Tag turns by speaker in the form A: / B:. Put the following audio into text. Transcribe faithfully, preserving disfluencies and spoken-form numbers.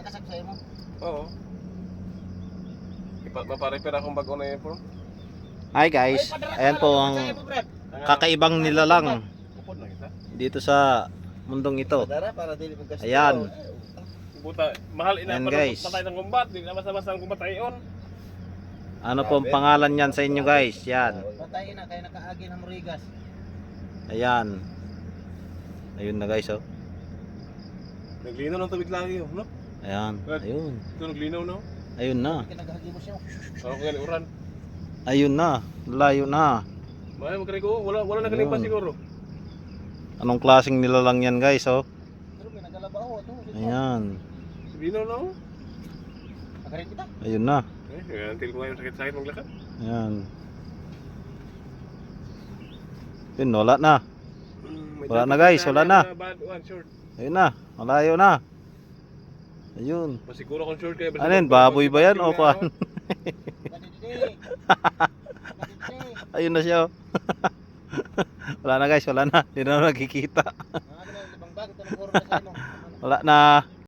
A: nakasab sa imo?
B: Oo. Ipa maparepair akong bago na yun po.
C: Hi guys, ayan po ang kakaibang nilalang
B: Upod na kita.
C: dito sa mundong ito.
A: Padara para dili maggasto.
C: Ayan.
B: Buta, mahal ina
C: Ayan,
B: pa
C: guys.
B: patay ng kumbat, di na basta-basta ang kumbat ayon.
C: Ano po ang pangalan niyan sa inyo guys? Yan.
A: Patay na kay nakaagi ng murigas.
C: Ayan. Ayun na guys oh.
B: Naglinaw ng tubig lagi yun, no?
C: Ayan. Ayun.
B: Ito naglinaw, no?
C: Ayun na.
A: Kinagahagi mo siya.
B: Ako kaya uran.
C: Ayun na. Layo na.
B: Mahal magkarigo, wala wala nakalimpas
C: Ayun.
B: siguro.
C: Anong klaseng nilalang yan guys oh?
A: Pero may nagalabaho to.
C: Ayan.
B: Naglinaw na, oh.
A: Nakarin kita.
C: Ayun na.
B: Eh, kaya until ko ngayon sakit-sakit maglakad.
C: Ayan. Yun, wala na.
B: Mm, may
C: Wala na,
B: dati
C: guys,
B: na-
C: wala na.
B: Bad one, short.
C: Ayun na. Malayo na. Ayun.
B: Masiguro kung short kayo.
C: Ano yun? Baboy ba yan o kuan?
A: Kadidi. Kadidi.
C: Ayun na siya oh. Wala na guys, wala na. Hindi na nakikita.
A: Mga ganun, libang bag ito ng puro na sa ano.
C: Wala na.